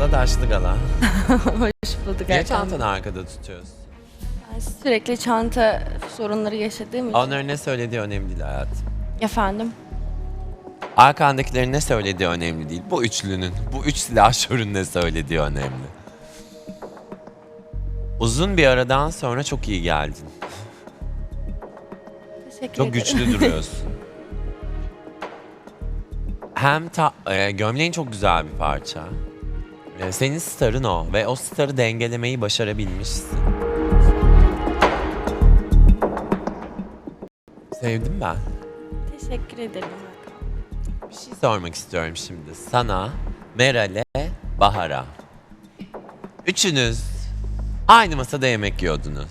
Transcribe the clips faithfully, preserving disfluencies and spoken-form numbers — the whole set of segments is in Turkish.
Merhaba Taşlı Gala. Hoş bulduk Niye Erkan. çantanı arkada tutuyorsun? Ben sürekli çanta sorunları yaşadığım için. Onların ne söylediği önemli değil hayatım. Efendim? Arkandakilerin ne söylediği önemli değil. Bu üçlünün, bu üç silahşörün ne söylediği önemli. Uzun bir aradan sonra çok iyi geldin. Teşekkür Çok ederim. güçlü duruyorsun. Hem ta, e, gömleğin çok güzel bir parça. E, senin starın o ve o starı dengelemeyi başarabilmişsin. Sevdim ben. Teşekkür ederim Erkan. Bir şey sormak istiyorum şimdi sana, Meral'e, Bahar'a. Üçünüz aynı masada yemek yiyordunuz.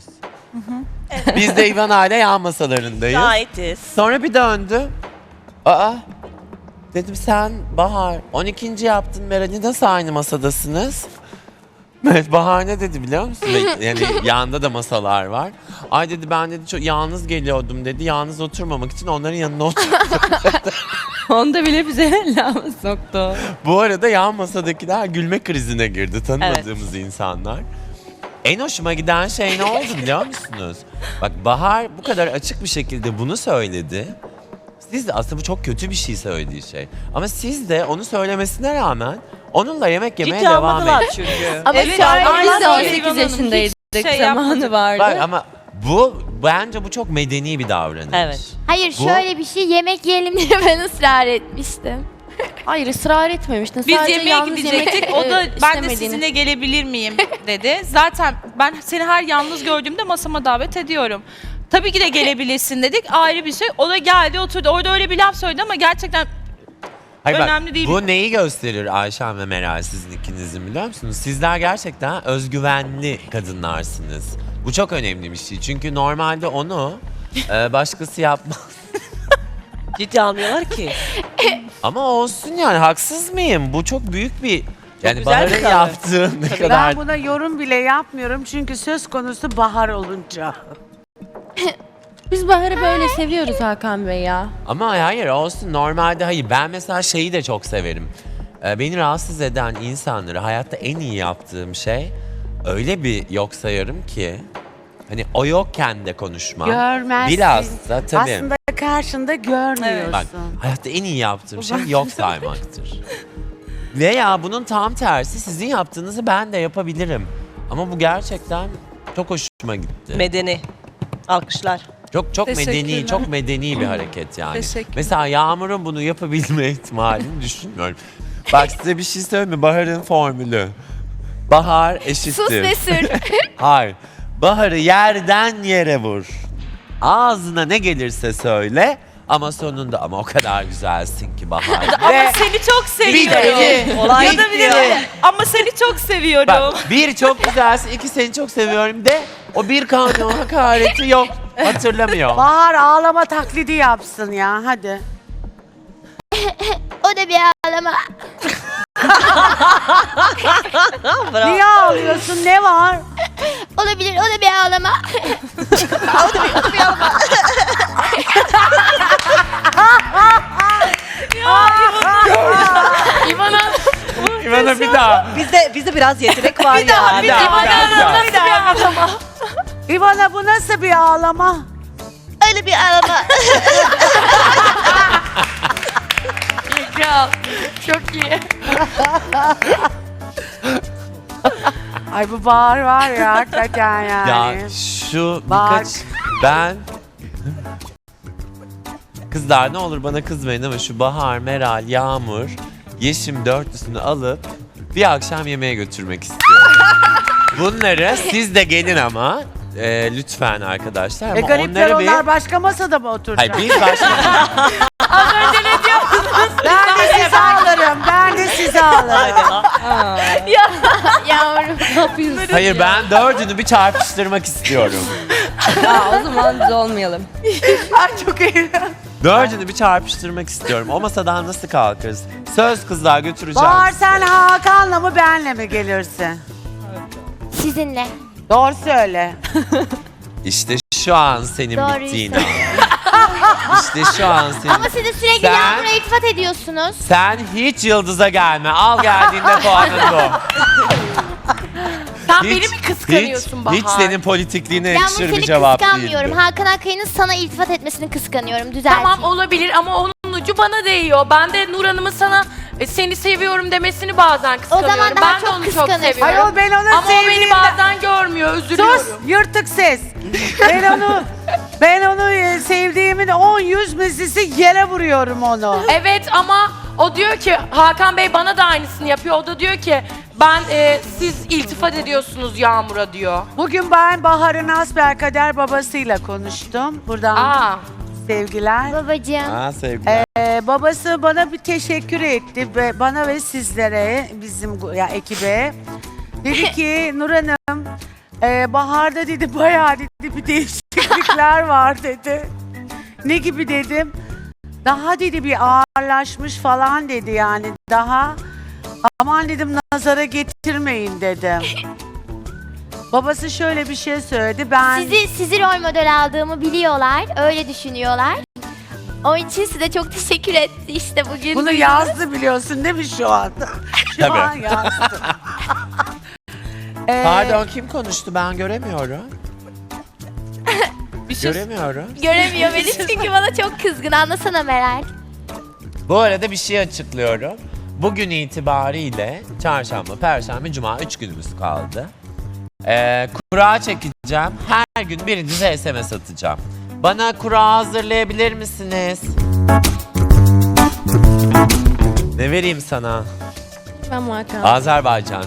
Biz de İvan ile yan masalarındayız. Şahitiz. Sonra bir döndü. Aa, dedim sen Bahar on ikinci yaptın Meral'i nasıl aynı masadasınız? Evet, Bahar ne dedi biliyor musun? Ve yani yanında da masalar var. Ay dedi ben dedi çok yalnız geliyordum dedi. Yalnız oturmamak için onların yanına oturdum. Onda bile bize laf soktu. Bu arada yan masadakiler gülme krizine girdi tanımadığımız insanlar. En hoşuma giden şey ne oldu biliyor musunuz? Bak Bahar bu kadar açık bir şekilde bunu söyledi. Siz de aslında bu çok kötü bir şey söylediği şey. Ama siz de onu söylemesine rağmen onunla yemek yemeye Hiç devam almadılar edin. çünkü. Ama Evet, şöyle aynen biz de on öyle. sekiz yaşındaydık. Hiç şey zamanı yapmadık. vardı. Bak ama bu bence bu çok medeni bir davranış. Evet. Hayır Bu- şöyle bir şey yemek yiyelim diye ben ısrar etmiştim. Hayır ısrar etmemiştin. Biz Sadece yemeğe yalnız gidecektik. yemek, O da e, ben de istemediğini. sizinle gelebilir miyim dedi. Zaten ben seni her yalnız gördüğümde masama davet ediyorum. Tabii ki de gelebilirsin dedik. Ayrı bir şey. O da geldi oturdu. Orada öyle bir laf söyledi ama gerçekten Hayır bak, önemli değil. bu neyi gösterir Ayşen ve Meral sizin ikinizin biliyor musunuz? Sizler gerçekten özgüvenli kadınlarsınız. Bu çok önemli bir şey. Çünkü normalde onu e, başkası yapmaz. Ciddi almıyorlar ki. Ama olsun yani haksız mıyım? Bu çok büyük bir yani güzel bir Bahar'ın karar. yaptığı ne kadar... Ben buna yorum bile yapmıyorum çünkü söz konusu bahar olunca. Biz Bahar'ı böyle seviyoruz Hakan Bey ya. Ama hayır olsun normalde hayır. Ben mesela şeyi de çok severim. Ee, beni rahatsız eden insanları hayatta en iyi yaptığım şey öyle bir yok sayarım ki hani o yokken de konuşmam. Görmezsin. Bilhassa tabii. Aslında karşında görmüyorsun. Bak hayatta en iyi yaptığım şey yok saymaktır. Veya bunun tam tersi sizin yaptığınızı ben de yapabilirim. Ama bu gerçekten çok hoşuma gitti. Medeni. Alkışlar. Çok çok medeni, Teşekkürler. çok medeni bir hareket yani. Teşekkür. Mesela Yağmur'un bunu yapabilme ihtimalini düşünmüyorum. Bak size bir şey söyleyeyim mi? Bahar'ın formülü. Bahar eşittir. Sus ve sür. Hayır. Bahar'ı yerden yere vur. Ağzına ne gelirse söyle ama sonunda ama o kadar güzelsin ki Bahar. ama Ve seni çok seviyorum. bitti. Olay Ya da bir de bitti. ama seni çok seviyorum. Bak bir çok güzelsin, iki seni çok seviyorum de o bir kanun hakareti yok. Hatırlamıyor. Bahar ağlama taklidi yapsın ya hadi. O da bir ağlama. Bravo. Niye ağlıyorsun ne var? Olabilir o da bir ağlama. İvana bir daha. Bizde bizde biraz yetenek var Bir yani. daha, bir daha. Bir daha ağlama. İvana bu nasıl bir ağlama? Öyle bir ağlama. Çok iyi. Ay bu Bahar var ya hakikaten yani. Ya şu Bak. birkaç ben kızlar ne olur bana kızmayın ama şu Bahar, Meral, Yağmur, Yeşim dörtlüsünü alıp bir akşam yemeğe götürmek istiyorum. Bunları siz de gelin ama e, lütfen arkadaşlar. E Ama garipler onları bir... onlar başka masada mı oturacak? Hayır biz başka... Ben de sizi alırım. Ben de sizi alırım. Yavrum. Ne yapıyorsun? Hayır ben dördünü bir çarpıştırmak istiyorum. Ya o zaman biz olmayalım. Ay çok iyi. Dördünü bir çarpıştırmak istiyorum. O masadan nasıl kalkarız? Söz kızlar götüreceğim. Bahar sizi. sen Hakan'la mı benle mi gelirsin? Sizinle. Doğru söyle. İşte şu an senin Doğruyu bittiğin söyle. an. İşte şu an senin. Ama siz de sürekli Sen- Yağmur'a iltifat ediyorsunuz. Sen hiç yıldıza gelme. Al geldiğinde puanın bu. Sen beni mi kıskanıyorsun hiç, Bahar? hiç senin politikliğine Yağmur yakışır bir seni cevap kıskanmıyorum. değildi. Hakan Akkaya'nın sana iltifat etmesini kıskanıyorum. Düzelteyim. Tamam olabilir ama onun ucu bana değiyor. Ben de Nur Hanım'ın sana e, seni seviyorum demesini bazen kıskanıyorum. zaman daha ben de çok onu çok kıskanırsın. seviyorum. Ayol ben onu Ama o beni sevdiğimden... bazen görmüyor, üzülüyorum. Sus yırtık ses. Ben onu ben onu e, sevdiğimin on yüz mislisi yere vuruyorum onu. Evet ama o diyor ki Hakan Bey bana da aynısını yapıyor. O da diyor ki ben e, siz iltifat ediyorsunuz Yağmur'a diyor. Bugün ben Bahar'ın asbelkader babasıyla konuştum. Buradan Aa. sevgiler. Babacığım. Ha sevgiler. Ee, babası bana bir teşekkür etti ve bana ve sizlere, bizim gu- ya ekibe. Dedi ki Nur Hanım, e, Bahar'da dedi bayağı dedi bir değişiklikler var dedi. Ne gibi dedim. Daha dedi bir ağırlaşmış falan dedi yani daha. Aman dedim nazara getirmeyin dedim. Babası şöyle bir şey söyledi. Ben Sizi sizi rol model aldığımı biliyorlar. Öyle düşünüyorlar. Onun için size çok teşekkür etti işte bugün. bunu duydunuz. yazdı biliyorsun değil mi şu anda? Şu Tabii. an yazdı. Ee, Pardon kim konuştu ben göremiyorum. Bir şey Göremiyorum. Göremiyor beni çünkü bana çok kızgın. Anlasana Meral. Bu arada bir şey açıklıyorum. Bugün itibariyle çarşamba, perşembe, cuma üç günümüz kaldı. Ee, kura çekeceğim. Her gün birinize S M S atacağım. Bana kura hazırlayabilir misiniz? Ne vereyim sana? Ben Hakan. Azerbaycan.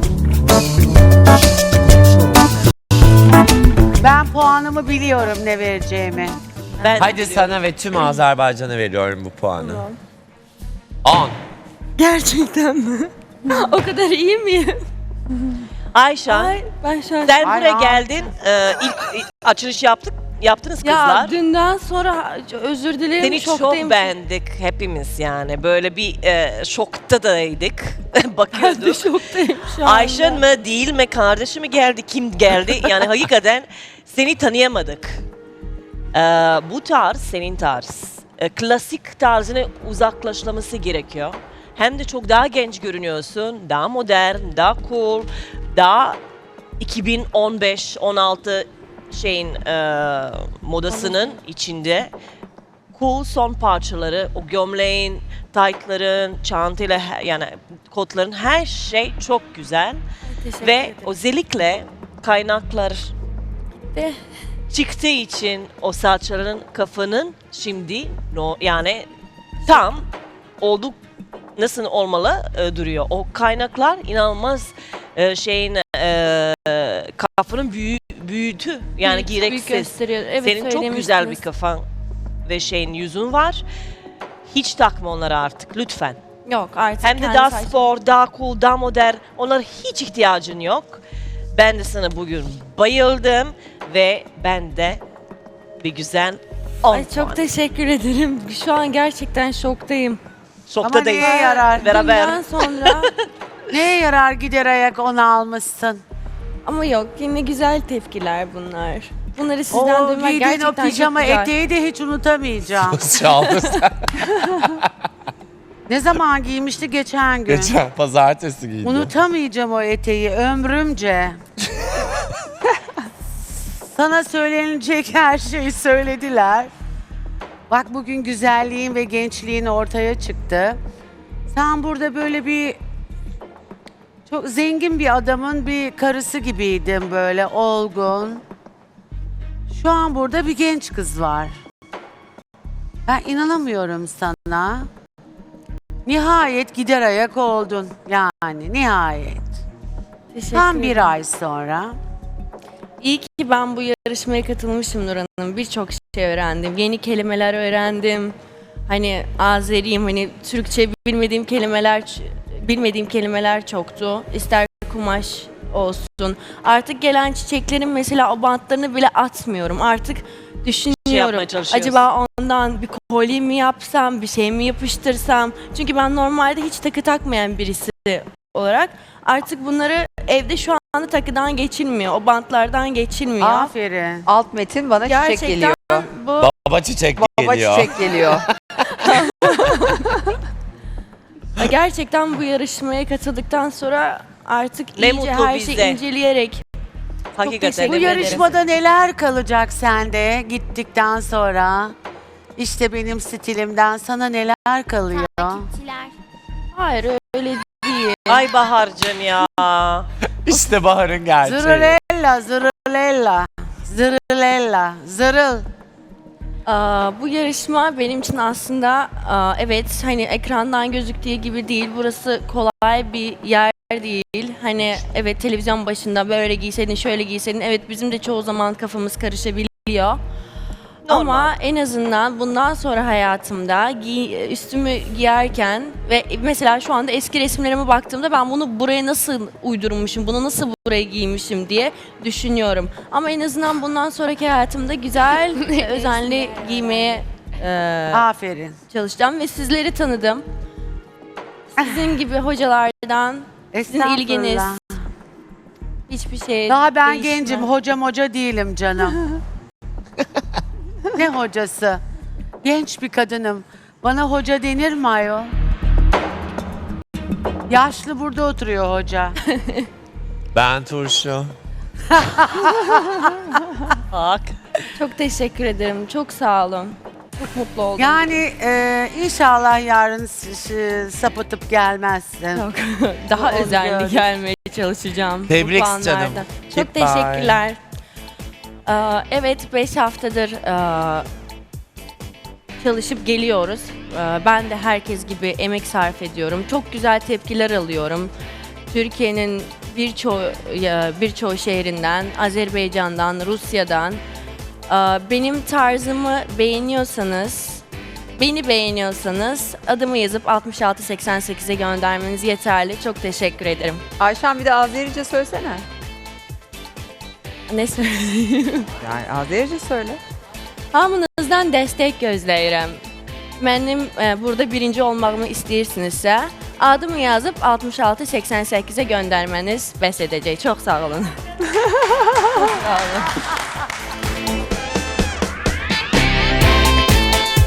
Ben puanımı biliyorum ne vereceğimi. Ben Hadi sana ve tüm Azerbaycan'a veriyorum bu puanı. on. Gerçekten mi? O kadar iyi miyim? Ayşen, Ben şu an... sen Ay, buraya ay. geldin. e, ilk ilk açılış yaptık. Yaptınız Ya kızlar. dünden sonra özür dilerim Seni şoktayım. çok beğendik hepimiz yani. Böyle bir e, şokta daydık. Bakıyorduk. Şoktayım şu anda. Ayşen mi değil mi kardeşi mi geldi kim geldi yani hakikaten seni tanıyamadık. Ee, bu tarz senin tarz. Ee, klasik tarzına uzaklaşması gerekiyor. Hem de çok daha genç görünüyorsun, daha modern, daha cool, daha iki bin on beş on altı şeyin e, modasının içinde. Cool son parçaları, o gömleğin, taytların, çantayla he- yani kotların her şey çok güzel. Teşekkür Ve ederim. özellikle kaynaklar De. çıktığı için o saçların kafanın şimdi no, yani tam olduk nasıl olmalı e, duruyor. O kaynaklar inanılmaz e, şeyin e, kafanın büyü, büyüdü yani Büyük- büyük gereksiz. gösteriyor. Evet, Senin çok güzel bir söylemiştiniz. kafan ve şeyin yüzün var. Hiç takma onları artık lütfen. Yok artık Hem de kendi daha saç- spor, daha cool, daha modern. Onlara hiç ihtiyacın yok. Ben de sana bugün bayıldım ve ben de bir güzel on Ay çok puan. teşekkür ederim. Şu an gerçekten şoktayım. Şokta Ama değil. neye yarar? Beraber. Dünden sonra Neye yarar gider ayak onu almışsın? ama yok yine güzel tepkiler bunlar. Bunları sizden O duymak giydiğin o gerçekten pijama çok güzel. eteği de hiç unutamayacağım. Çaldı sen. Ne zaman giymişti? Geçen gün. Geçen pazartesi giydi. Unutamayacağım o eteği ömrümce. Sana söylenilecek her şeyi söylediler. Bak bugün güzelliğin ve gençliğin ortaya çıktı. Sen burada böyle bir çok zengin bir adamın bir karısı gibiydin böyle olgun. Şu an burada bir genç kız var. Ben inanamıyorum sana. Nihayet gider ayak oldun. Yani nihayet. Teşekkür Tam ederim. bir ay sonra. İyi ki ben bu yarışmaya katılmışım Nur Hanım. Birçok şey öğrendim. Yeni kelimeler öğrendim. Hani Azeriyim, hani Türkçe bilmediğim kelimeler bilmediğim kelimeler çoktu. İster kumaş olsun. Artık gelen çiçeklerin mesela o bantlarını bile atmıyorum. Artık düşünüyorum. yapmaya çalışıyorsun. Acaba ondan bir kolye mi yapsam, bir şey mi yapıştırsam? Çünkü ben normalde hiç takı takmayan birisi olarak artık bunları evde şu anda takıdan geçilmiyor. O bantlardan geçilmiyor. Aferin. Alt metin bana çiçek Gerçekten geliyor. bu Baba çiçek Baba geliyor. çiçek geliyor. gerçekten bu yarışmaya katıldıktan sonra artık Ne iyice mutlu her bize. şeyi inceleyerek Hakikaten. teşekkür Bu ederim. yarışmada neler kalacak sende gittikten sonra? İşte benim stilimden sana neler kalıyor? Takipçiler. hayır öyle değil. Ay Bahar'cığım ya. İşte Bahar'ın gerçeği. Zırılella, zırılella, zırılella, zırıl. Aa, bu yarışma benim için aslında aa, evet hani ekrandan gözüktüğü gibi değil. Burası kolay bir yer değil. Hani evet televizyon başında böyle giyseydin şöyle giyseydin. Evet bizim de çoğu zaman kafamız karışabiliyor. Normal. Ama en azından bundan sonra hayatımda giy- üstümü giyerken ve mesela şu anda eski resimlerime baktığımda ben bunu buraya nasıl uydurmuşum, bunu nasıl buraya giymişim diye düşünüyorum. Ama en azından bundan sonraki hayatımda güzel, ve özenli giymeye e, Aferin. çalışacağım ve sizleri tanıdım. Sizin gibi hocalardan sizin ilginiz Estağfurullah. hiçbir şey Daha ben değişmez. gencim, hocam hoca değilim canım. Ne hocası? Genç bir kadınım. Bana hoca denir mi ayol? Yaşlı burada oturuyor hoca. Ben turşu. Bak. Çok teşekkür ederim. Çok sağ olun. Çok mutlu oldum. Yani e, inşallah yarın s- s- sapıtıp gelmezsin. Çok daha Onu özenli gördüm. gelmeye çalışacağım. bu Tebrik puanlarda. canım. Çok Goodbye. teşekkürler. Ee, evet beş haftadır e, çalışıp geliyoruz. Ee, ben de herkes gibi emek sarf ediyorum. Çok güzel tepkiler alıyorum. Türkiye'nin birçoğu ya, birçoğu şehrinden, Azerbaycan'dan, Rusya'dan. Ee, benim tarzımı beğeniyorsanız, beni beğeniyorsanız adımı yazıp altmış altı seksen sekize göndermeniz yeterli. Çok teşekkür ederim. Ayşen bir de Azerice söylesene. Ne söyleyeyim? Yani Azerice söyle. Hamınızdan destek gözləyirəm. Mənim e, burada birinci olmağımı istəyirsinizsə, adımı yazıb altmış altı seksen sekize göndermeniz bəs edəcək. Çox sağ olun. Çox sağ olun.